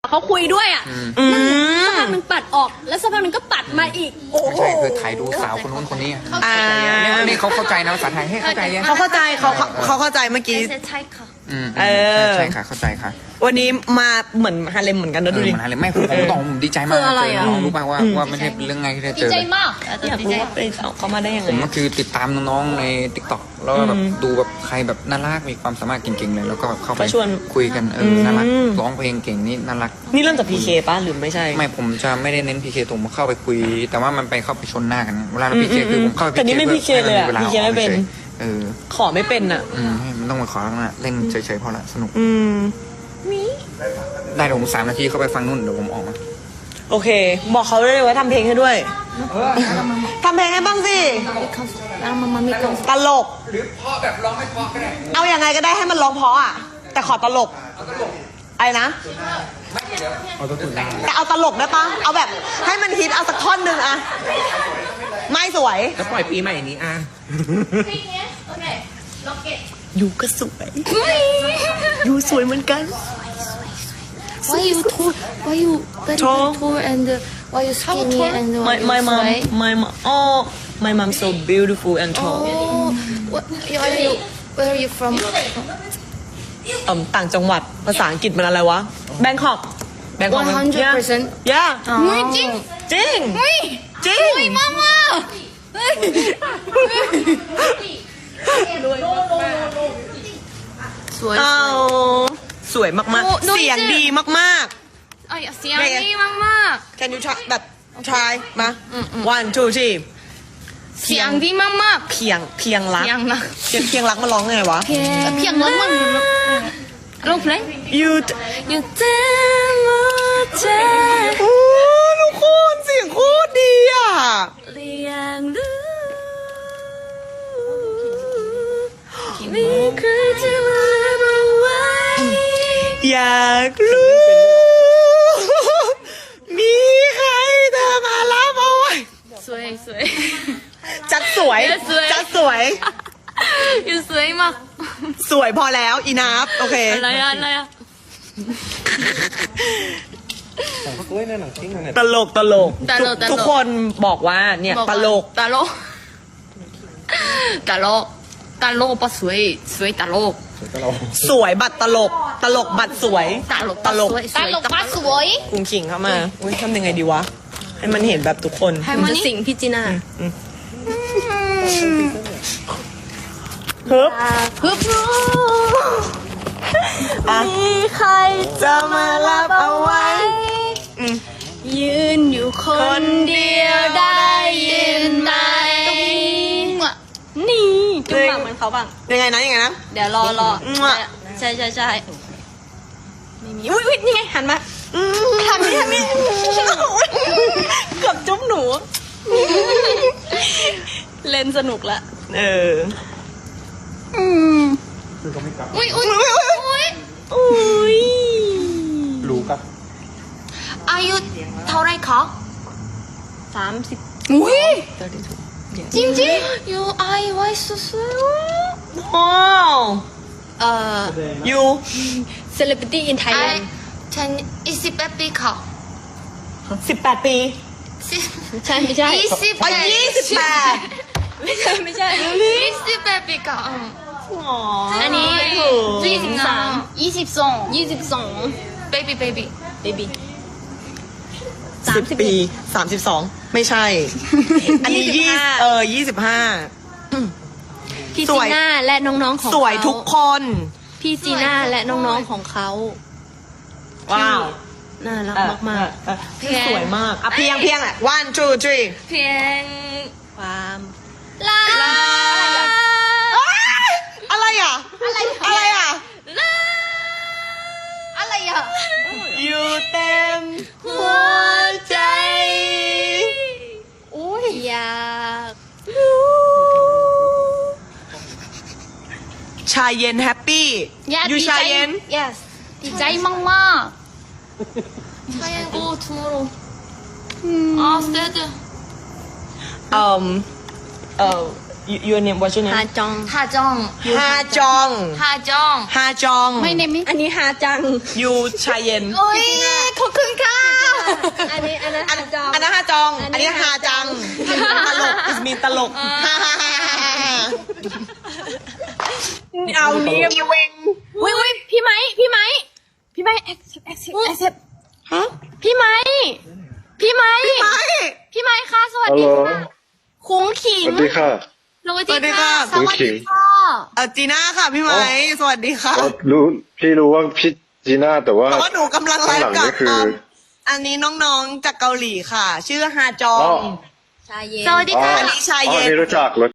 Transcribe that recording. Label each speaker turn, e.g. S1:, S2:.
S1: เขาคุยด้วยอ่ะสักพักหนึ่งปัดออกแล้วสักพักหนึ่งก็ปัดมาอีกโอ้โห
S2: ใช่คือถ่ายดูสาวคนนู้นคนนี้นี่เขาเข้าใจนะภาษาไทยให้เข้าใจยัง
S3: เขาเข้าใจเขาเข้าใจเมื่อกี้
S1: ใช่ค่ะ
S2: ใช่ค่ะเข้าใจค่ะ
S3: วันนี้มาเหมือนฮาเลมเหมือนกันนะดูดิ
S2: มันอะไรไม่ผมต้องผมดีใจมาก
S1: คืออะไรอ่ะ
S2: น้องรู้ป่ะว่าไม่ใช่เรื่องง่ายที่จะเจอ
S3: อยากรู้ว่าไปเขามาได้ยัง
S2: ผ
S3: ไง
S2: มก็คือติดตามน้องๆใน TikTok แล้วก็แบบดูแบบใครแบบน่ารักมีความสามารถเก่งๆเลยแล้วก็เข้าไปคุยกันน่ารักร้องเพลงเก่งนี่น่ารัก
S3: นี่เริ่มจากพีเคป่ะหรือไม่ใช่
S2: ไม่ผมจะไม่ได้เน้นพีเคตรงเข้าไปคุย แต่ว่ามันไปเข้าไปชนหน้ากันเวลาเราพีเคคือผมเข้าไป
S3: แต่นี่ไม่พีเคเลยอะพีเคไม่เป็น ขอไม่เป็นอ่ะ
S2: มันต้องมาขอแล้วนะเล่นเฉยๆพอละสนุกได้เดี๋ยวผม3 นาทีเข้าไปฟังนู่นเดี๋ยวผมออกมา
S3: โอเค บอกเขาเลยว่าทำเพลงให้ด้วยทำเพลงให้บ้างสิตลกหรือเพราะแบบร้องไม่เพราะก็ได้เอาอย่างไงก็ได้ให้มันร้องเพราะอ่ะแต่ขอตลกไอ้นะแต่เอาตลกได้ปะเอาแบบให้มันฮิตเอาสักท่อนหนึ่งอะไม่สวย
S4: แล้วปล่อยปีใหม่นี้อ่ะ
S3: อยู่ก็สวยอยู่สวยเหมือนกัน
S5: Why you tall? Why you very
S3: Tall?
S5: tall and why you skinny and why
S3: my
S5: you
S3: mom
S5: sweat?
S3: my mom so beautiful and tall
S5: Oh, where are you from?
S3: ต่างจังหวัดภาษาอังกฤษมันอะไรวะแบงคอก
S5: 100%.
S3: yeah
S5: จริง
S3: จริงจริง
S5: มาม่า สวย
S3: เอาสวยมากๆเสียงดีมาก
S5: ไอ้เสียงดีมาก
S3: ๆ can you try แบบ try มา one two three
S5: ๆเสียงดีมากๆ
S3: เพียงรัก
S5: เสียงนะ
S3: เพียงรักมาร้องไงวะ
S5: เพียงรักมากร้องเพลง
S3: you
S5: อยู่เต็มหัวใจ
S3: โอ้ทุกคนเสียงโคตรดีอ่ะ
S5: เรียงรู้มีใครจะมาบอกไว้
S3: อยากรู้ มีใครเธอมารับเอาไว้
S5: สวยสวย
S3: จัดสวย
S5: สวย
S3: จัดสวย
S5: อยู่สวยมาก
S3: สวยพอแล้วอีนับโอเค
S5: อะไรอะ
S3: ตลกทุกคนบอกว่าเนี่ยตลก
S5: ตลกปะสวยตลก
S3: สวยบัตรตลกบัตรสวย
S5: ตลกปะสวย
S3: กุ้งขิงเข้ามาอุ้ยทำยังไงดีวะ ให้มันเห็นแบบทุกคน
S5: ให้มัน
S1: จะสิงพี่จีน่า
S3: ฮึบ
S5: ฮึบ
S3: มีใครจะมารับเอาไว้
S5: ยืนอยู่คนเดียวได้ยินไหม
S1: นี่จุ๊บปากเหมือนเขาบ้าง
S3: ยังไงนะ
S1: เดี๋ยวรอ ใช่ไม่มีอุ้ยนี่ไงหันมาทำนี่เกือบจุ๊บหนู เล่นสนุกละ
S3: เออ
S5: อุ้ย
S3: อุ้ย
S2: รู้กับ
S5: อายุเท่าไรคะ
S1: 30
S5: อุ้ยจริงยูไอไว้สวย
S3: ว้าว ยู
S1: celebrity in
S5: ไอ
S1: Thailand
S5: 20ปีค่ะ
S3: 18 ปี
S1: ใช่ไม่ใช่
S5: 28
S1: ไม่ใช่
S5: 28ปีค่ะ
S1: อันนี้
S5: 22 baby
S1: baby
S3: 10 ปี 32 ไม่ใช่ อันนี้25
S1: พี่
S3: ส
S1: จี
S3: วย
S1: น่าและน้องๆของ
S3: สวยทุกคน
S1: พี่จีน่าและน้องๆของเขา
S3: ว้าว
S1: น่ารักมาก
S3: สวยมากอ่ะเพียงอ่ะ one two three
S5: เพียง
S1: ๆความ
S5: ลา
S3: อะไรอ่ะ อะไรอ่ะ
S5: อะไรอ่ะ
S3: อยู่เต็มหัวใจ
S1: อยาก
S3: ชายเย็นแฮปปี้ยูชายเย็น
S5: yes ดีใจมากชายเย็น go tomorrow stay
S3: your name what's your
S1: ฮา
S3: name
S1: จอง
S5: ฮาจอง
S3: ฮาจอง
S5: ฮาจอง
S3: ฮาจอง
S5: ไม่เนมิ
S1: อันนี้ฮาจัง
S3: ยูชายเย็น
S5: โอ้ย
S1: เขา
S5: อันนี้อันนั้น
S3: อัน
S5: จอง
S3: อันนั้นฮาจอง อันนี้ฮาจัง ตลกมีตลกเอานี่มีเวง
S5: อุ้ยพี่ไม้accept
S3: ฮะ
S5: พี่ไม้ค่ะสวัส
S4: ฮัล
S5: ดี
S4: โหล
S5: ค่ะคุ้งขิง
S4: สวัสดีค่ะ
S5: สวัสดีค่ะ
S4: คุ้งขิง
S3: จีน่าค่ะพี่ไม้สวัสดีค่ะ
S4: พี่รู้ว่าพี่จีน่าแต่ว่า
S3: แต่ว่าหนูกำลังไล
S4: ข้างหลัง
S3: ฟ์กับ
S4: นี่คือ
S3: อันนี้น้องๆจากเกาหลีค่ะ ชื่อฮาจอ
S4: อ๋อ
S3: ง
S5: สวัสดีค่ะ
S3: อันนี้ชาย
S4: อ๋อ
S3: เย็น
S4: นี่รู้จัก